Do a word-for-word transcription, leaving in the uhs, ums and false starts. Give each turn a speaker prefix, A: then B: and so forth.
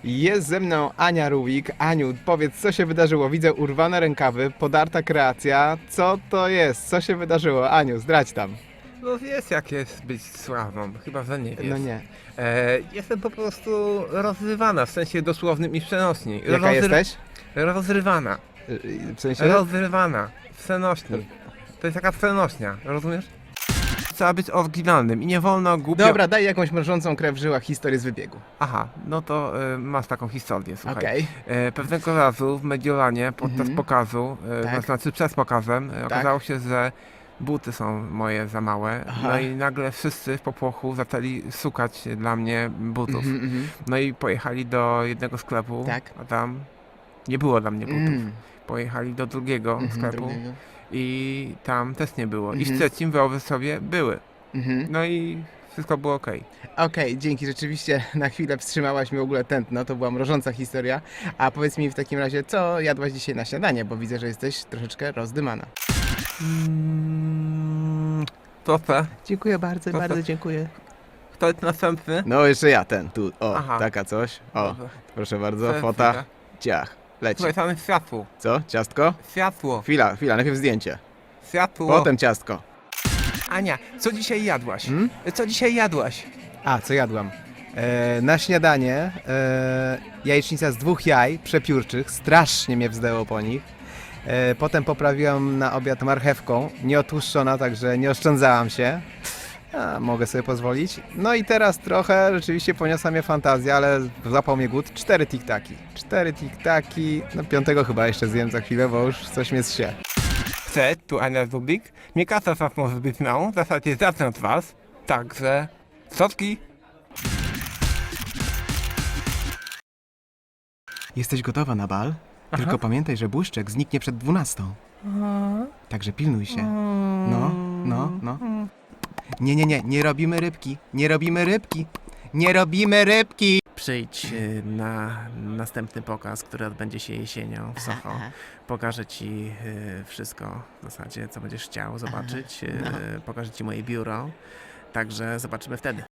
A: Jest ze mną Ania Ruwik. Aniu, powiedz, co się wydarzyło? Widzę urwane rękawy, podarta kreacja. Co to jest? Co się wydarzyło? Aniu, zdradź tam.
B: No wiesz jak jest być sławną, chyba że nie wiesz.
A: No nie.
B: E, jestem po prostu rozrywana, w sensie dosłownym i przenośni.
A: Jaka jesteś?
B: Rozrywana.
A: Y, W sensie?
B: Rozrywana. W przenośni. To jest taka przenośnia, rozumiesz? Trzeba być oryginalnym i nie wolno głupio...
A: Dobra, daj jakąś mrożącą krew w żyłach historię z wybiegu.
B: Aha, no to e, masz taką historię, słuchaj.
A: Okej.
B: E, pewnego razu w Mediolanie podczas
A: Mhm.
B: pokazu, e,
A: Tak.
B: to znaczy przed pokazem, e, okazało się, że buty są moje za małe.
A: Aha.
B: No i nagle wszyscy w popłochu zaczęli szukać dla mnie butów.
A: Mhm, mhm.
B: No i pojechali do jednego sklepu,
A: Tak.
B: a tam nie było dla mnie butów.
A: Mm.
B: Pojechali do drugiego
A: Mhm,
B: sklepu
A: drugiego.
B: i tam też nie było. I
A: Mhm.
B: w trzecim wyobraź sobie były.
A: Mhm.
B: No i wszystko było okej.
A: Okej, dzięki, rzeczywiście na chwilę wstrzymałaś mi w ogóle tętno, to była mrożąca historia. A powiedz mi w takim razie, co jadłaś dzisiaj na śniadanie, bo widzę, że jesteś troszeczkę rozdymana.
B: Mm, proszę,
A: Dziękuję bardzo,
B: Proszę.
A: bardzo dziękuję.
B: kto jest następny?
A: No jeszcze ja, ten, tu, o,
B: Aha.
A: taka coś. O,
B: Dobrze.
A: proszę bardzo,
B: Chwilę,
A: fota,
B: chwilę.
A: ciach, leci.
B: Słuchaj, tam jest światło.
A: Co, ciastko?
B: Światło.
A: Chwila, chwila, najpierw zdjęcie,
B: Światło.
A: potem ciastko.
B: Ania, co dzisiaj jadłaś?
A: Hmm?
B: Co dzisiaj jadłaś?
A: A, co jadłam? E, na śniadanie e, jajecznica z dwóch jaj przepiórczych, strasznie mnie wzdęło po nich. E, potem poprawiłam na obiad marchewką, nieotłuszczona, także nie oszczędzałam się. A, mogę sobie pozwolić. No i teraz trochę rzeczywiście poniosła mnie fantazja, ale złapał mnie głód. Cztery tiktaki. Cztery tiktaki. No piątego chyba jeszcze zjem za chwilę, bo już coś mnie zsie.
B: Cześć, tu Ania Zubik. Mnie kasa was może być mną, w zasadzie zacznę od was. Także, sotki.
A: Jesteś gotowa na bal?
B: Aha.
A: Tylko pamiętaj, że błyszczek zniknie przed dwunastą. Także pilnuj się. No, no, no. Nie, nie, nie, nie robimy rybki. Nie robimy rybki. Nie robimy rybki!
C: Przyjdź y, na następny pokaz, który odbędzie się jesienią w Soho. Pokażę ci y, wszystko w zasadzie, co będziesz chciał zobaczyć. Y,
A: no.
C: Pokażę ci moje biuro. Także zobaczymy wtedy.